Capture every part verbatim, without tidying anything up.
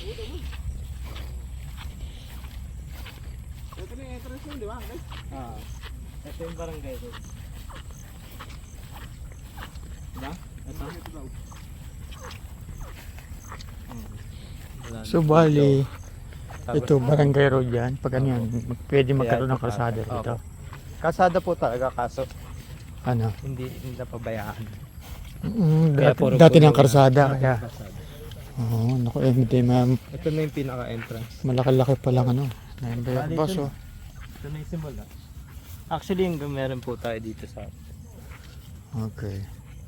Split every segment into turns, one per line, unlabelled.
Ito na yung entrance mo, di ba?
Ah, ito yung barangay road. Diba? Ito?
Ito daw.
Wala
So
na.
bali,
Tapos-
ito barangay road yan. Pag ano yan, mag- pwede magkaroon ng
ito
kalsada
pa-
dito.
Opo. Kalsada po talaga kaso
Ano?
hindi hindi napabayaan.
Mm,
Kaya
dati,
puro
dati
puno
ng
na.
kalsada.
Dati
Kaya,
ng kalsada.
oo, naku, eh, hindi ma'am.
Ito na yung pinaka-entrance.
Malaki-laki pa lang ano. Nine by
Bali,
boss,
ito
oh.
Ito na yung simula. Actually, yung meron po tayo dito sa
Okay.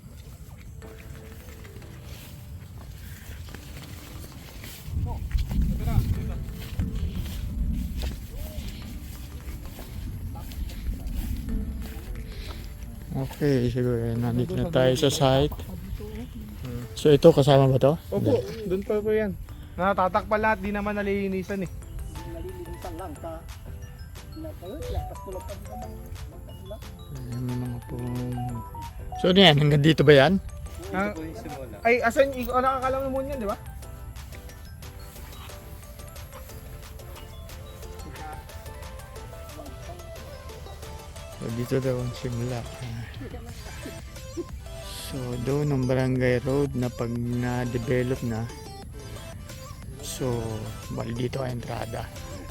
Okay, siguro eh, nandito na tayo sa site. So ito kasama ba to?
Opo, doon pa po yan. Natatakpan lahat, di naman nalilinisan eh.
Nalilinisan lang ka. Lakas tulad pa din naman.
Ayan, may mga pong... So ano yan, hanggang dito ba yan?
Ah,
ito po yung simula.
ay, asan, ikaw nakakalam mo yan, di ba?
So dito daw ang simula. So doon ang barangay road na pag na-develop na. So bali dito ang entrada.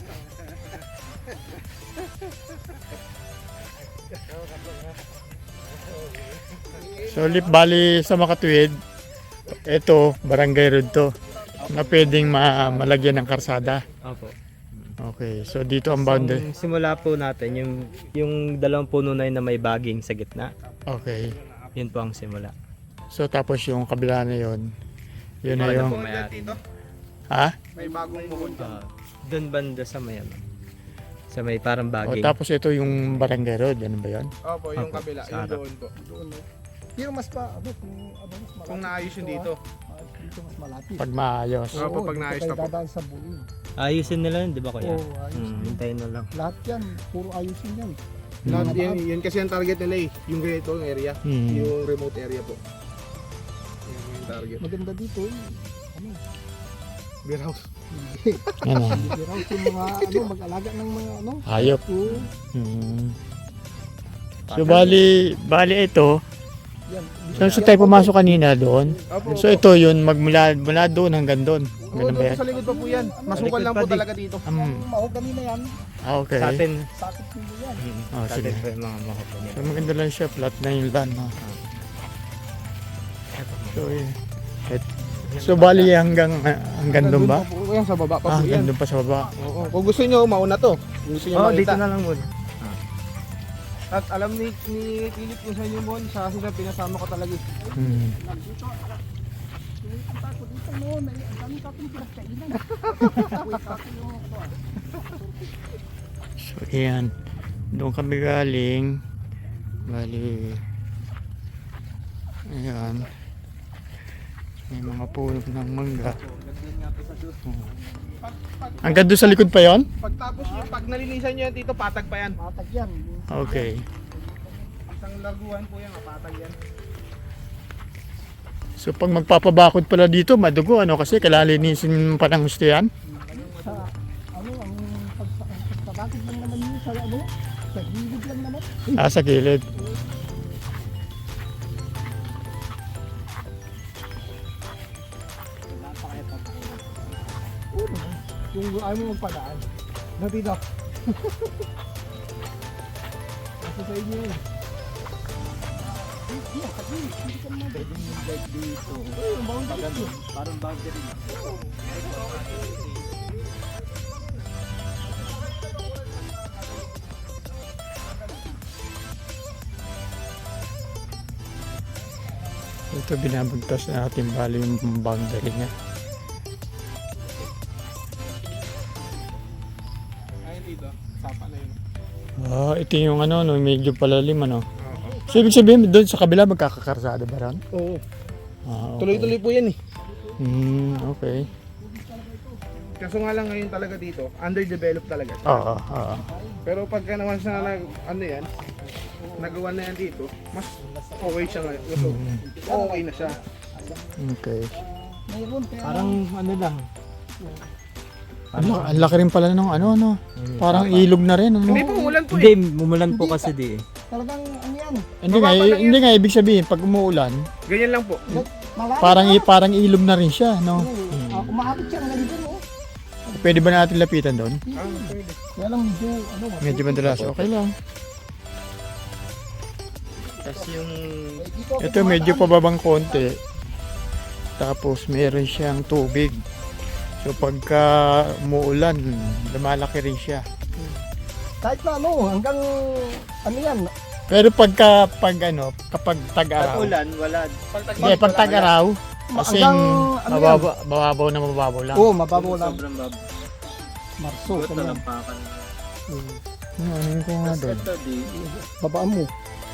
So lip bali sa Makatuwid, ito barangay road to na pwedeng ma malagyan ng karsada.
Opo.
Okay, so dito ang boundary.
Yung simula po natin, yung, yung dalawang puno na yun na may baging sa gitna,
Okay.
yun po ang simula.
So tapos yung kabila na yon, yun na
Ano
yung...
po may
dito,
Ha?
may bagong bukod dyan.
Uh, doon banda sa may ano, sa may parang
O,
baging.
tapos ito yung barangay road, ano ba yun?
Opo, yung
Opo,
kabila,
sa
yung
harap.
doon po.
Doon eh. Pero mas pa, ano, kung, ano, mas malapit.
Kung naayos yun dito.
ah. Dito mas malapit.
Pag maayos.
Oo. Opo, pag
dito
naayos
kayo
na po.
dadaan sa bulim.
Ayusin nila yun, di ba kuya?
Oo, ayos
Hmm,
din.
hintayin na lang.
Lahat yan, puro ayusin yan.
Lahat
Hmm.
yan, yun kasi ang target nila eh. Yung ganito, yung area.
Hmm.
Yung remote area po. Yung yung target.
Maganda dito eh. Ano,
Beer house.
hindi.
Ano?
Hindi raw yung mga, ano, mag-alaga ng mga, ano.
Hayop.
Oo,
Hmm. So bali, bali ito,
yan.
saan so, tayo pumasok kanina doon?
Opo,
So ito yun, magmula mula doon hanggang doon.
Oo,
Ganun ba
doon
yan?
sa likod pa po yan. Masukal
Likod
lang
pa
po
di.
talaga dito.
Um,
Ang mahogany na yan,
ah, okay.
Sa atin,
sakit nilo yan.
hmm,
Oh,
sa
sige.
atin po yung mga mahapon
So maganda lang siya, flat na yung land. No? So, eh, et- so bali hanggang ah, hanggang doon ba?
pa po yan, sa baba pa
Ah,
po yan.
hanggang doon pa sa baba.
Oo. Kung gusto nyo, mauna to. Kung gusto nyo
Oh, dito
makita.
na lang muna.
At alam ni, ni Philip kung saan yung mall, sa sila pinasama ko talaga. eh.
Hmm.
Dito, Pumunta ko dito noon, ay ang dami kapong pinagkainan. Wait, kapong yung ako ah.
So ayan, doon kami galing. Bali, ayan. May mga puno ng mangga. Oh. Hanggang doon sa likod pa yon?
Pagtapos nyo, pag nalinisan nyo yan dito, patag pa yan.
Matag yan.
Okay.
Isang laguan po yan, patag yan.
So pag magpapabakod pala dito, madugo ano kasi kalalinisin pa ng gusto yan?
Sa, ano, ang pagsa- ang pagpabakid lang naman yun sa, ano, sa gilid lang naman.
Ah, sa gilid.
Oo, yung ayaw mo magpadaan. Natito. Kasi sa inyo yun. Hindi, sa gilid. Hindi ka naman.
Pwedeng yung bike dito.
Oo, yung boundary yun.
Parang boundary lang.
Ito binabagtas na natin bali yung boundary niya.
Ayun dito, sapa na yun.
Ah, ito yung ano, no, medyo palalim ano. So ibig sabihin doon sa kabila magkakakarsada ba ron?
Oo.
Ah, okay.
Tuloy-tuloy po yan eh.
Hmm, okay.
Kaso nga lang ngayon talaga dito, underdeveloped talaga.
Oo, oo.
Pero pagka naman sa nag, ano yan, nagawa na yan dito, mas okay siya ngayon. So, okay na siya.
Okay.
Mayroon kaya
Parang ano lang,
Ano, ang laki rin pala ng ano, ano. Parang ilog na rin. Ano?
Hindi po, umulan po
Hindi,
eh.
umulan po kasi di eh.
Talagang ano yan.
Hindi nga,
Mababa lang
hindi nga ibig sabihin pag umuulan,
Ganyan lang po.
Malalim
parang
na.
i- parang ilog na rin siya, no?
Oo, ah, umaabot siya hanggang dun, oh.
Pwede ba natin lapitan doon?
Ah, pwede.
Kaya lang medyo, ano,
Medyo madalas, okay lang.
Tapos yung
Ito medyo pababang konti. Tapos meron siyang tubig. So pagka umuulan, lumalaki rin siya.
kahit na ano, hanggang, ano yan,
Pero pagka pag ano, kapag tag-araw.
ulan, wala.
Hindi, pag tag-araw, as in,
hanggang, ano yan,
mababa, mababaw na mababaw lang.
oo, mababaw lang,
Sobrang bab.
Marso,
Ito
ganyan.
lang pakan.
Hmm.
Ano, ano ko nga
Tapos
doon?
ito di.
Babaan mo,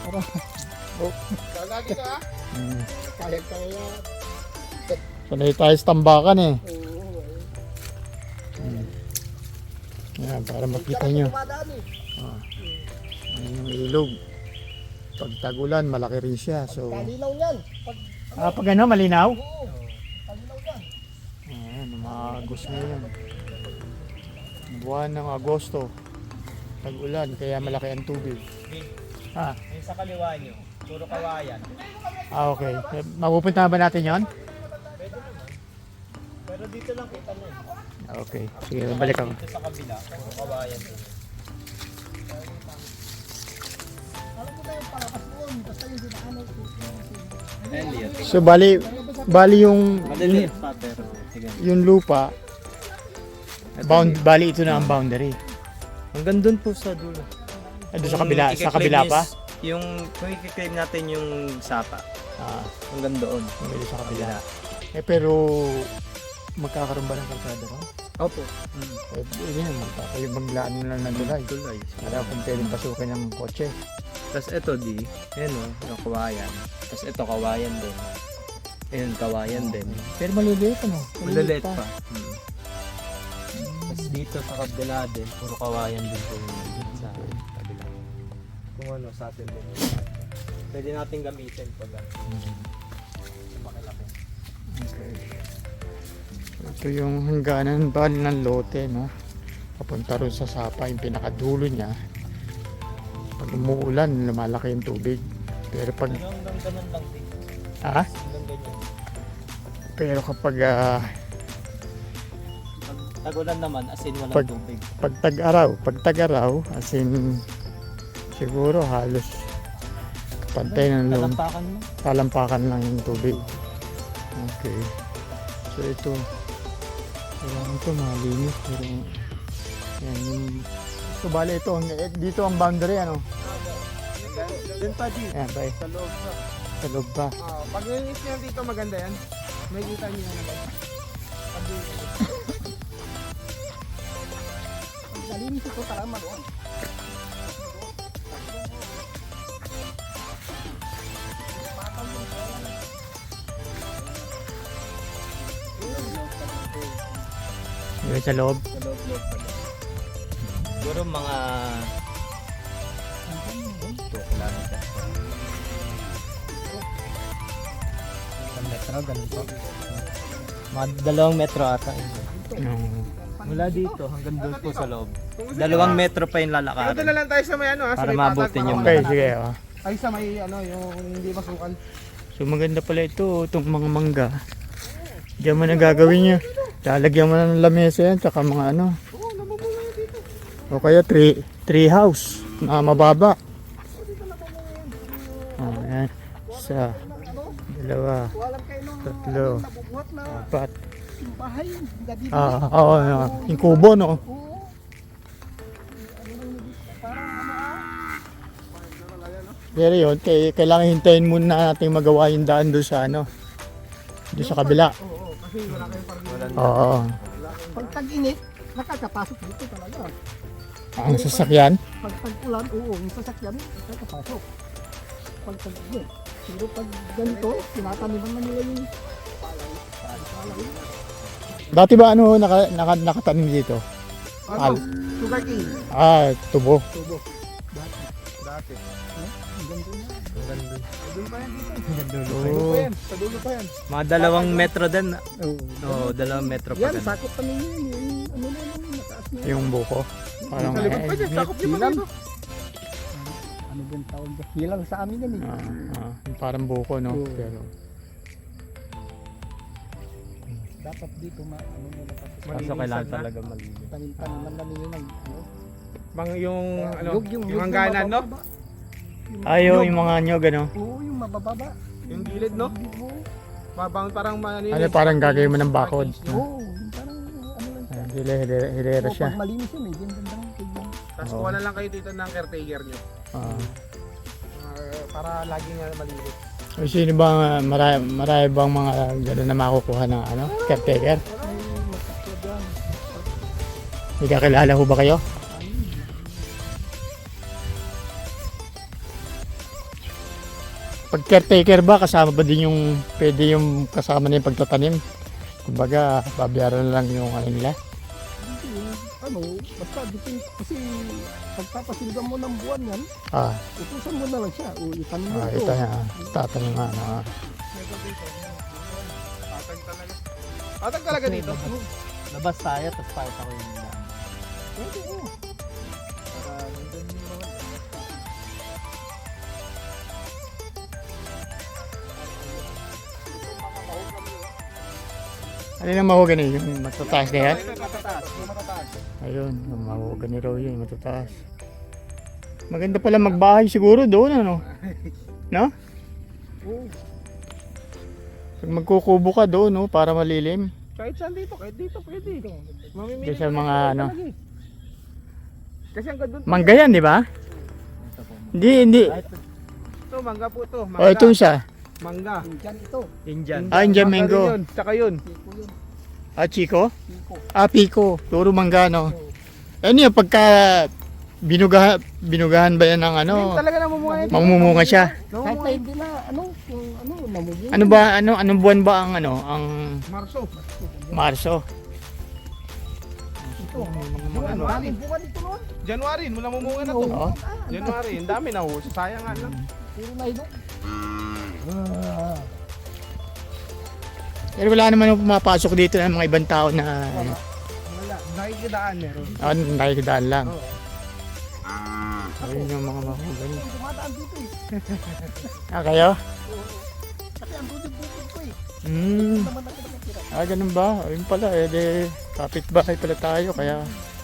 Lagi ka ah.
Hmm.
kaya kaya,
Sanay tayo sa tambakan eh.
oo,
Yan, para makita nyo.
dumadaan eh.
Ayan yung ilog. Pag tag-ulan, malaki rin siya. So,
Kalinaw yan, pag,
ah, pag ano, malinaw?
oo, kalinaw yan.
Ayan, mga Agos ngayon. Buwan ng Agosto. Tag-ulan, kaya malaki ang tubig. Ah,
Yung sa kaliwa nyo, puro kawayan.
ah okay. Eh, Mapupunta ba natin yon?
Pero dito lang kita mo.
Okay, sige, balik ako.
Dito sa kabila, puro kawayan.
Alam mo na yung palakas doon, basta yung dinaanan ko.
Elliot.
So, bali, bali yung,
Maliliit pa pero. Sige.
yung lupa, bound, bali ito na ang boundary.
Hanggang dun po sa dulo.
Ah, doon sa kabila, sa kabila pa?
Yung, kung i-claim natin yung sapa,
Ah,
hanggang doon.
doon sa kabila. Eh, pero, magkakaroon ba ng kalsada ron?
Opo. Mm.
Eh, yun, magkakaroon maglaan na lang ng tulay.
Tulay.
Wala kung pwedeng pasukin ng kotse.
Tapos ito di, yun o, yung kawayan. Tapos ito kawayan din. Ayun, kawayan din.
Pero maliliit ano?
Maliliit pa. Mm. Tapos dito sa kabila din, puro kawayan din po yun sa kabila. Kung ano, sa atin din. Pwede natin gamitin pag ano. Makilaki.
Okay. Ito yung hangganan bali ng lote, no? Papunta rin sa sapa, yung pinakadulo niya. Pag umuulan, lumalaki yung tubig. Pero pag,
Pero hanggang ganun lang din.
ah,
Hanggang ganyan.
pero kapag, ah,
Pag tagulan naman, as in walang
Pag-
tubig.
pag tag-araw, pag tag-araw, as in, siguro halos pantay ng loob.
Talampakan mo.
Talampakan lang yung tubig. Okay. So ito, kailangan ito malinis. Pero, yan yung, so bali ito, ang- eh, dito ang boundary, ano?
Doon pa di.
Yan, bye.
Sa loob pa.
Sa loob pa.
Ah, pag nilinis niya dito maganda yan. May kita niyo yan naman. Pag
Nalinis ito, tama doon.
Yung sa loob.
Sa loob-loob pa din. Siguro mga two kilometers. Isang metro, ganun po. Mga dalawang metro ata.
Yung,
Mula dito hanggang doon po sa loob. Dalawang metro pa yung
Pero doon na
lalakarin.
lang tayo sa may ano ah. sa
Para
may
maabutin
patag,
yung
para-
okay, sige. Oh.
Ay sa may ano yung hindi masukan.
So maganda pala ito, itong mga mangga. Diyan mo na gagawin nyo. Lalagyan mo na ng lamesa yan, tsaka mga ano.
Oo, namumula yan dito.
O kaya tree, tree house na mababa. Oh, yan. Isa, dalawa,
Walang kayo nung
tatlo,
nabubuhat na
apat.
bahay, gabi.
Ah, oo, oh, yung kubo, no?
Oo.
Pero yun, kay, kailangan hintayin muna natin magawa yung daan doon sa ano. Doon sa kabila.
Oo, kasi wala kayong parang
Oo.
Pag tag-init, nakakapasok dito talaga.
Ang sasakyan.
Pag tag-ulan, oo, yung sasakyan, nakakapasok. Pag tag-init. Pero pag ganito, tinataniman na nila yung palay. Palay.
Dati ba ano naka, naka, nakatanim dito?
Ano?
Al-
Sugar cane.
Ah, tubo.
Tubo. Dati. Dati.
ganda na.
Ang ganda.
Doon pa yan dito.
Ang dulo
Sa
pa
dulo
yun.
pa yan. Sa dulo pa yan.
Mga dalawang metro din.
Oo.
Oo, dalawang metro pa
Yan,
ganun.
sakot pa ninyo yun. Yung ano na lang, mataas na.
Yung buko. Parang
Sa likod pa
eh,
dyan. Sakop niyo pa
Hilang.
dito.
Ano ba yung tawag dyan? Hilang sa amin yan eh.
ah, ah, yung parang buko, no?
Oo.
Pero,
Dapat dito ma ano na dapat
Kaso
Malinisan
kailangan
na.
talaga malinis.
tanim-tanim na ninyo ng ano.
Bang yung ano,
Yug,
yung
yug na
hangganan, no?
mabababa. Yung-
ayo, yung mga nyog, ano?
Oo, yung mabababa.
Yung gilid, no?
Oo,
Babang parang ano
Ano, parang gagawin mo ng bakod.
oo, yung parang ano lang siya.
Ah, hile, hile, hilera
Oo,
siya.
pag malinis yun, medyo ang ganda ng tignan.
Tapos
Oo.
kuha na lang kayo dito ng caretaker nyo.
Ah.
Ah, para laging uh, malinis.
O, sino bang, uh, marami, marami bang mga gano'n na makukuha ng ano, caretaker?
Ay, magkakya dyan.
May kakilala ho ba kayo? Pag caretaker ba, kasama ba din yung, pwede yung kasama na yung pagtatanim? Kumbaga, babayaran na lang yung ano nila.
Hindi, ano, basta dito, kasi pagpapasilgan mo ng buwan yan,
Ah,
utusan mo na lang siya. O, itanim mo
ah
ito.
ito na, tatanim nga na.
Meron dito. Patag talaga. Patag talaga dito.
Labas tayo, tapos pakita ko yung dami.
Pwede, oo.
Para nandun yung mga...
Ano yung mahogany? Yung matataas na yan?
Ito, matataas. Ito, matataas.
Ayun, yung mahogany raw yun, matataas. Maganda pala magbahay siguro doon, ano? No?
Oo.
Pag magkukubo ka doon, no, para malilim.
Kahit saan dito, kahit dito pwede. Mamimili
Doon sa
ka lang
mga
dito
ano.
talaga eh. Kasi ang ganda.
Mangga yan, di ba? Hindi, hindi.
Ito, mangga po ito. Mangga.
O, ito isa.
Mangga.
Dyan ito.
Indian.
Ah, Indian
Mangga
mango.
rin yun. Tsaka yun.
Piko yun.
Ah, Chico?
Piko.
Ah, Pico. Puro mangga, no? Ano yun, pagka binugahan, binugahan ba yan ng ano?
Hindi talaga namumunga yan.
Mamumunga siya.
Kahit na
Namumunga.
hindi na, ano, yung ano, namumuhay.
Ano ba, ano, anong buwan ba ang ano, ang
Marso.
Marso?
Ito.
Mga ano,
Daming buwan ito noon.
January, mula mumunga na to.
Oo.
January, ang dami na ho. Sayang nga lang.
Puro na ino.
Pero wala naman yung pumapasok dito ng mga ibang tao na ano,
Wala. Nakikidaan meron.
ah, nakikidaan lang.
Oo.
Ayun yung mga mahogany.
Yung dumadaan dito eh.
Ah, kayo?
Kasi ang bukid-bukid ko eh.
Hmm.
Naman ako nakatira.
Ah, ganun ba? Ayun pala, eh, de, kapitbahay pala tayo, kaya...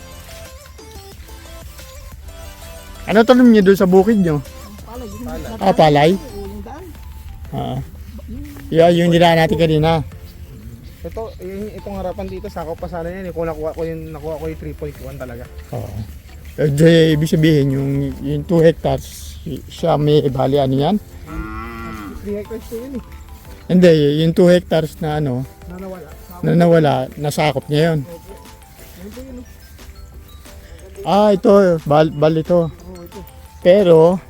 Ano tanong niyo doon sa bukid niyo?
Ang palay. Yung
Palay.
nadaan.
Ah, palay?
Oo, yung daan.
Ah. Yeah, yung dinaan natin kanina.
Ito, yung, itong harapan dito, sakop pa sana yan. eh. Kung nakuha ko yung, nakuha ko yung three point one talaga.
Oo. Eh, di, ibig sabihin, yung, yung two hectares, y- siya may bali ano yan?
three hectares ko yun eh.
Hindi, yung two hectares na ano,
Na nawala. Sakop.
na nawala, nasakop niya yun.
Yan po yun. oh.
Ah, ito, bal, bal ito.
Oo, ito.
Pero,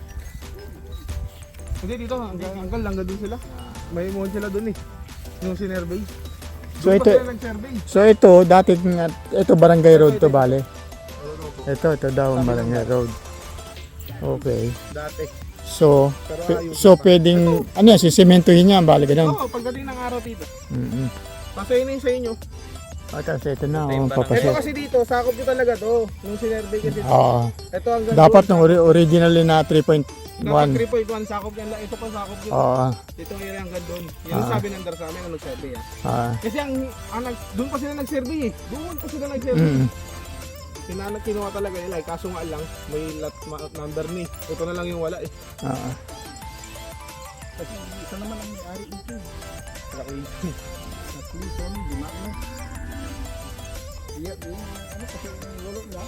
Hindi dito, hanggang, hanggang lang doon sila. May mon sila doon eh. Yung sinervey.
So,
Doon pa
ito-
sila nag-survey.
so ito, dati, nga- ito barangay road to, bale. Ito, ito daw ang barangay road. Okay.
Dati.
So,
Pero
p-
ayos
so
pa.
pwedeng, ano yan, sisimentohin niya, bale ganun.
Oo, pagdating ng araw dito.
Mm-hmm.
Pasayin na yun sa inyo.
At kasi ito na,
Ito yung
oh,
barangay.
Ito
papasok.
kasi dito, sakop nyo talaga to. Nung sinervey kasi.
Oo.
Ito hanggang
Dapat
doon,
nung ori- originally na three point
Dapat
one.
three point one sakop yan. Ito pa sakop yun.
Oo.
Ito yung area hanggang doon. Yan ang
Ah.
sabi ng dar sa amin, ang nag-survey ah.
Ah.
Kasi ang, ang nag- doon pa sila nag-survey eh. Doon pa sila nag-survey.
Mm.
Kinanag kinuha talaga nila eh. Kaso nga lang, may lot ma- number ni. Ito na lang yung wala eh.
Ah.
Kasi isa naman ang may-ari ito eh.
Laki.
At least, ano, lima ano. Iya, yung ano, kasi yung walo niya.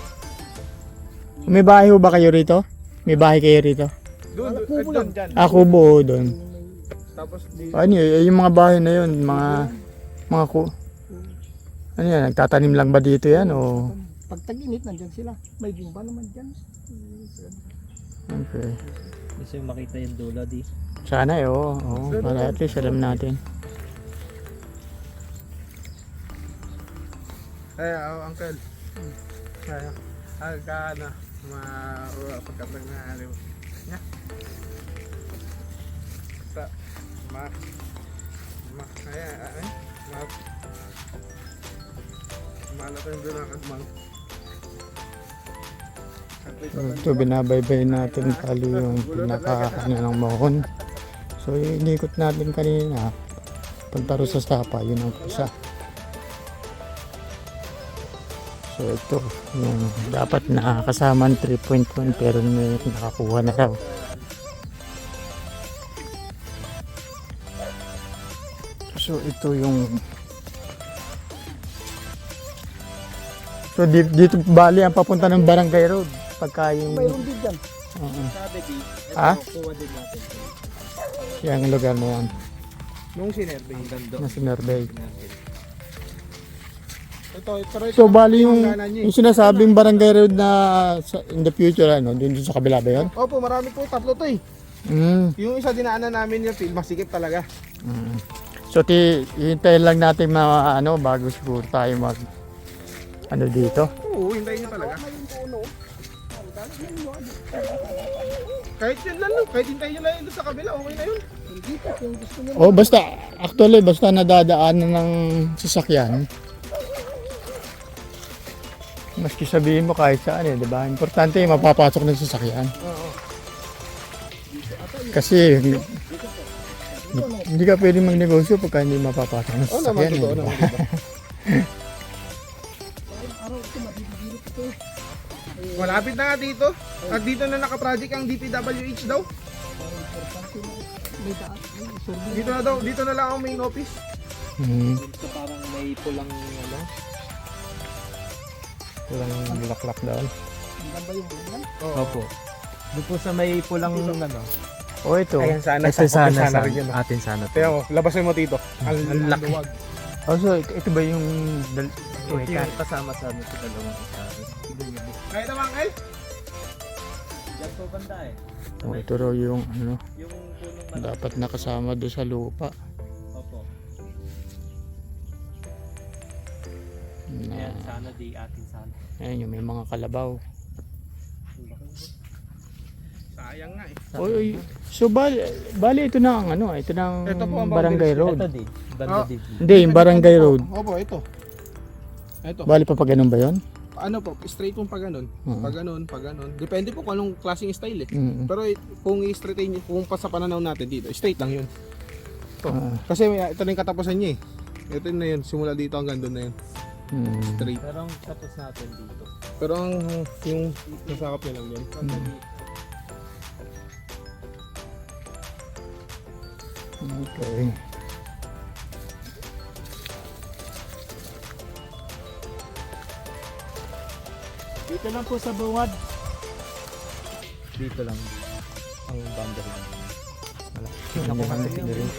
May bahay ho ba kayo rito? May bahay kayo rito?
Doon,
Wala,
doon,
kubo
doon,
lang.
dyan.
Ah, kubo doon.
Yung may-
Tapos di,
Ano yun, yung mga bahay na yun, mga, mga ku... Ano yan, nagtatanim lang ba dito yan o...
Pag tag-init, nandyan sila. May bimba naman dyan.
Okay.
Gusto yung makita yung dulo di.
Sana eh, oo. oo, para at least alam natin.
ay, oh, uncle. Ay, ay, ka na. Ma, pagkatag na, aliw. Na. Sa ma ma kaya ay ma mana tayong doon ang agmang.
So, ito binabaybay natin tali yung pinaka ano ng mohon. So inikot natin kanina punta rin sa sapa, yun ang isa. So ito yung dapat nakakasama ng three point one pero may nakakuha na raw. So ito yung So dito, dito bali ang papunta ng Barangay Road pagka yung
Mayroon din dyan.
Oo.
Sabi di, ito
Ah?
kuha din natin.
Yung lugar na yan
Nung sinerbe.
Ang ganda.
na sinurbay.
Ito, pero ito.
So bali yung,
hangganan niya eh.
yung sinasabing Barangay Road na sa, in the future ano, dun sa kabila ba yun?
Opo, marami po, tatlo to eh.
Mm.
Yung isa dinaanan namin yung field, masikip talaga.
Mm. So ti hintayin lang natin na ano bago siguro tayo mag ano dito.
Oo, hintayin nyo talaga.
Mayroon po ano. Ang dami yan, yun.
Kahit yun lang, no? Kahit hintayin nyo lang yun doon sa kabila, okay na yun.
Hindi po, kung gusto nyo.
Oh, basta actually basta nadadaanan ng sasakyan. Maski sabihin mo kahit saan eh, di ba? Importante yung mapapasok ng sasakyan.
Oo.
Kasi hindi, hindi ka pwede magnegosyo pagka hindi mapapasok ng
Oo naman,
sasakyan.
totoo
eh, di ba?
naman. Diba?
Araw ito, mabibigilip ito.
Malapit na nga dito. At dito na naka-project ang D P W H daw.
Parang importante na. May daan. May survey.
Dito na daw, dito na lang ang main office.
Hmm.
Dito parang may pulang ano.
Walang bulaklak doon.
Ang ganda yung ganyan.
Oo.
Opo. Doon po sa may pulang ano.
O ito.
Ayan sana,
Kasi sana,
sana
sana,
rin yun. ah.
atin sana.
Kaya mo, labasin mo dito. Ang,
Ang laki.
luwag.
Oh, so ito, ito ba yung dal-
Ito yung kasama sa amin sa dalawang isabi.
Kaya naman, Kyle?
Diyan po banda eh.
oh, ito raw yung ano,
Yung punong malaki.
dapat nakasama doon sa lupa.
Opo.
Na,
Ayan, sana di atin sana.
ayun yung may mga kalabaw.
Sayang nga eh.
Oy, so bali, bali ito na ang ano, ito na ang
Ito po ang
Barangay
boundaries.
Road.
Ito di. Banda
Ah.
di.
Hindi, yung Barangay Road.
Opo, ito. Ito.
Bali pa pa ganun ba yun?
Ano po, straight pong pag ganun.
Oo.
Pag ganun, pag ganun. Depende po kung anong klaseng style eh.
Mm.
Pero eh, kung i-straighten nyo, kung pa sa pananaw natin dito, straight lang yun. Ito.
Ah.
Kasi may- ito na yung katapusan niya eh. Ito na yun, simula dito hanggang doon na yun.
Mm.
Straight.
Pero ang tapos natin dito.
Pero ang yung nasakap niya lang yun.
Okay.
Dito lang po sa bungad. Dito lang. Ang boundary. Wala.
Yun, yung ano, rin.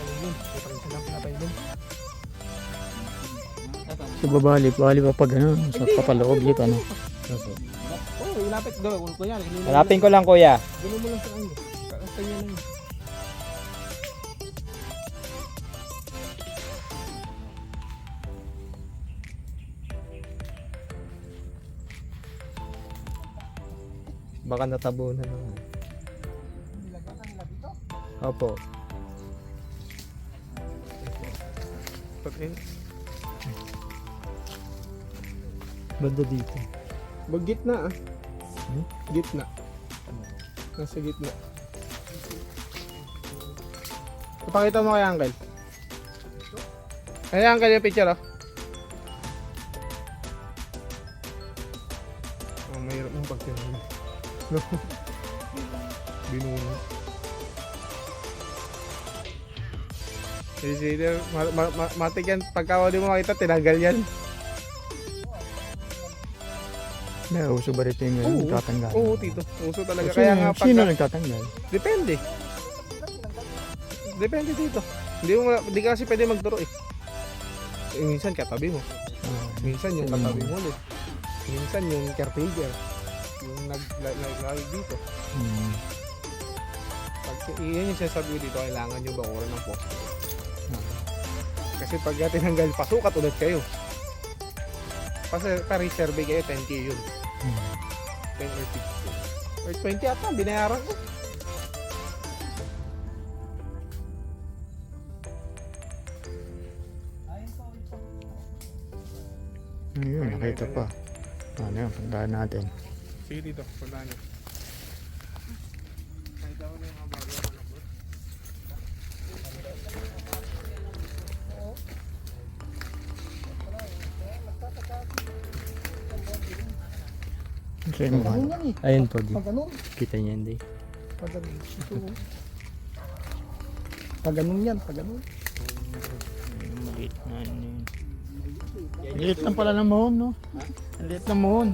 So babali, bali pa pag ano, sa papaloob dito ano.
Oo, oh, ilapit doon. Kung kunyari, ilulong mo
Hanapin ko lang kuya.
lang- Gulong mo lang sa kanya. Kaya lang yun.
Baka natabunan na.
Nilagyan ka nila dito.
Opo.
Pag-
Banda dito.
Wag gitna ah.
Hmm?
Gitna. Nasa gitna. Ipakita mo kay Uncle. Kaya Uncle yung picture oh. Oh, mahirap mong pagtingin. No. Binuno. Kasi ma ma ma matik yan. Pagka di mo makita, tinanggal yan.
Na uso ba rito yung
Oo.
nagtatanggal?
Oo, tito. Uso talaga.
Sino,
Kaya nga
sino
pagka...
nagtatanggal?
Depende. Depende dito. Hindi mo hindi ka kasi pwede magturo eh. Eh, minsan katabi mo.
Ah,
Minsan yung
Mm.
katabi mo ulit. Minsan yung caretaker. Yung nag nag dito.
hmm.
Pag iyan yung sinasabi ko dito, kailangan yung bakuran ng poste.
Ah.
Kasi pag tinanggal, pasukat ulit kayo. Kasi pa-resurvey kayo, ten K yun.
Hmm.
ten or fifteen. Or twenty ata, binayaran ko.
Ayun, nakita pa. Ano yun, puntahan natin.
Sige dito, punta niyo. Kahit ako na yung mga bago ako lang, bro.
Kasi yung
Pag
mga,
ganun yan eh.
Ayun po, di.
Pag ganun.
Kita niya hindi.
Pag ganun. Ito. oh. Pag ganun yan. Pag ganun.
yung maliit na ano yun. Ang liit lang pala ng mohon, no? Ang liit ng mohon.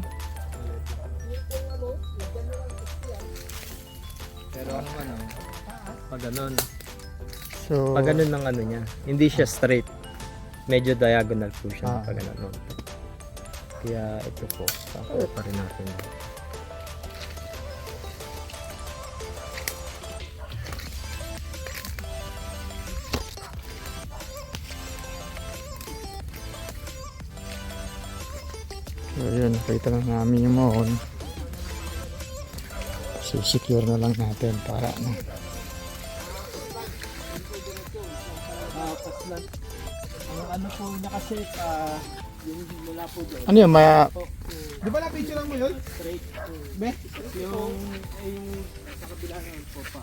Pero ano ano, pag ganun.
So,
Pag ganun ng ano niya, hindi siya straight. Medyo diagonal po siya
Ah.
pag ganun. Kaya ito po, pakuha pa rin natin.
so yun, nakita na namin yung mohon. Sisecure na lang natin para ano.
Ang ano po niya kasi, ah, yung mula po doon.
Ano yun, maya,
Di ba na-picture lang mo yun?
Straight.
Be?
Yung, eh, yung sa kabila naman po pa.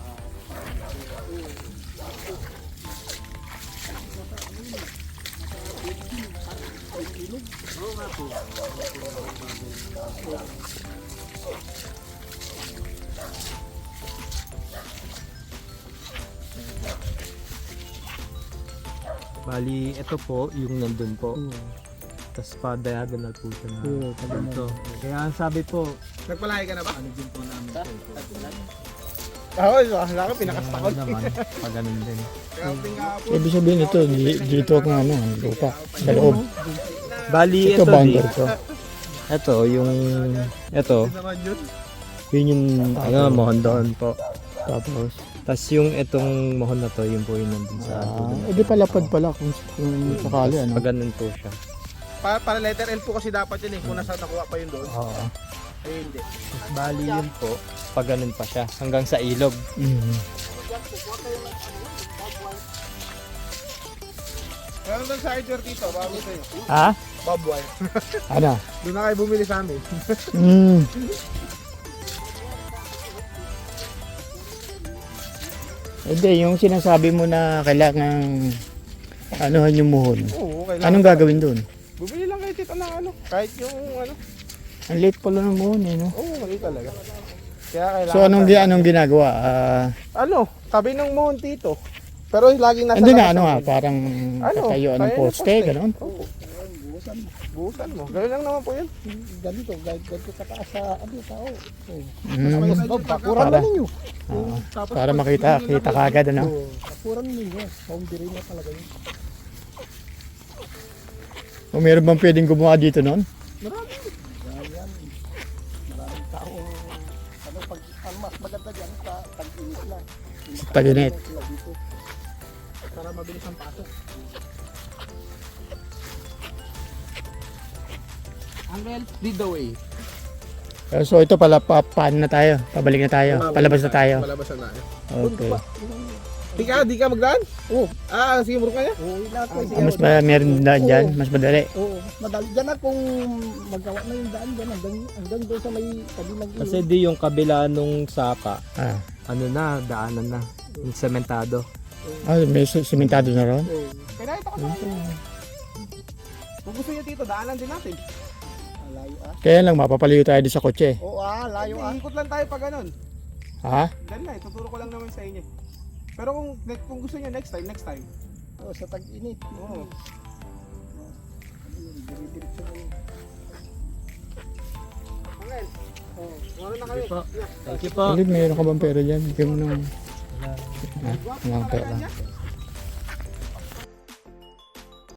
Bali, ito po, yung nandun po. Tapos pa diagonal po siya na
Oo, pag ganun.
ito. Kaya ang sabi po,
Nagpalahi ka na ba?
ano din po namin po.
Oo, wala ka, pinakastakot.
Ano naman, pag ganun din.
Camping ka po.
ibig sabihin ito, di- dito ang ano, ang lupa, sa loob.
Bali,
Ito,
ito, di.
boundary to.
Ito, yung, ito,
Hindi naman yun.
yun yung, ano, mohon doon po.
Tapos,
Tapos yung itong mohon na to, yun po yung nandun sa
ah,
dulo.
edi palapad pala kung, kung sakali, ano.
Pag ganun po siya.
Para, para letter L po kasi dapat yun eh. Kung nasa nakuha pa yun doon.
Oo.
Eh hindi.
Bali yun po, pag ganun pa siya, hanggang sa ilog.
Mm.
Meron doon sa hardware dito, bago sa'yo.
Ha?
Bob wire.
Ano?
Doon na kayo bumili sa amin.
Mm. Hindi, yung sinasabi mo na kailangan anuhan yung muhon.
Oo, kailangan.
Anong gagawin doon?
Bumili lang kayo tito ng ano. Kahit yung ano.
Ang late pala ng muhon eh, no?
Oo, mali talaga. Kaya kailangan.
So anong, gi- anong ginagawa? Ah,
Ano? Tabi ng mohon tito. Pero laging nasa
andun na
labas
ano
ang
nga,
mohon.
parang
Ano?
katayuan ng
Kaya ng
poste,
poste.
gano'n.
Oo. Buhusan mo. Ganun lang naman po yun.
Ganito, ganito, ganito kataas sa ano, tao.
Mm.
Pakuran
Para-
na ninyo.
Ah,
Tapos
para
pag-
makita, kita kagad ano.
Oo, pakuran ninyo. Boundary na talaga yun.
Kung meron bang pwedeng gumawa dito noon?
Marami. Yan, yan. Maraming tao. Ano, pag, ang mas maganda dyan, sa tag-init lang.
Sa tag-init.
Sila dito.
Para mabilis ang pasok. Uncle, lead the way.
Eh, So ito pala, pa, paano na tayo? Pabalik na tayo? Palabas na tayo?
Palabas na tayo.
Okay.
Di ka, di ka magdaan?
Oo.
Ah, sige, muro ka niya.
Oo, lahat ko.
Ah, mas ma- meron na dyan? Mas madali?
Oo, madali. Diyan na kung magawa na yung daan dyan, hanggang, hanggang doon sa may tabi ng ilog.
Kasi di yung kabila nung sapa,
Ah,
ano na, daanan na. Yung sementado.
ah may si- simentado na ron?
Oo,
Kaya ito ka sa akin. Kung gusto niyo dito, daanan din natin.
layo ah.
Kaya lang, mapapalayo tayo doon sa kotse.
Oo ah, layo ah.
Hindi, ikot lang tayo pag ganun.
Ha?
Dahil na, ituturo ko lang naman sa inyo. Pero kung kung gusto niyo next time, next time.
Oo, sa tag-init.
Oo.
Ayun, dire-diretso na yun.
Uncle, oh, ano na kami?
Po. Thank you po.
Ulit, mayroon ka bang pera dyan? Bigyan mo ng... Ah, walang pera.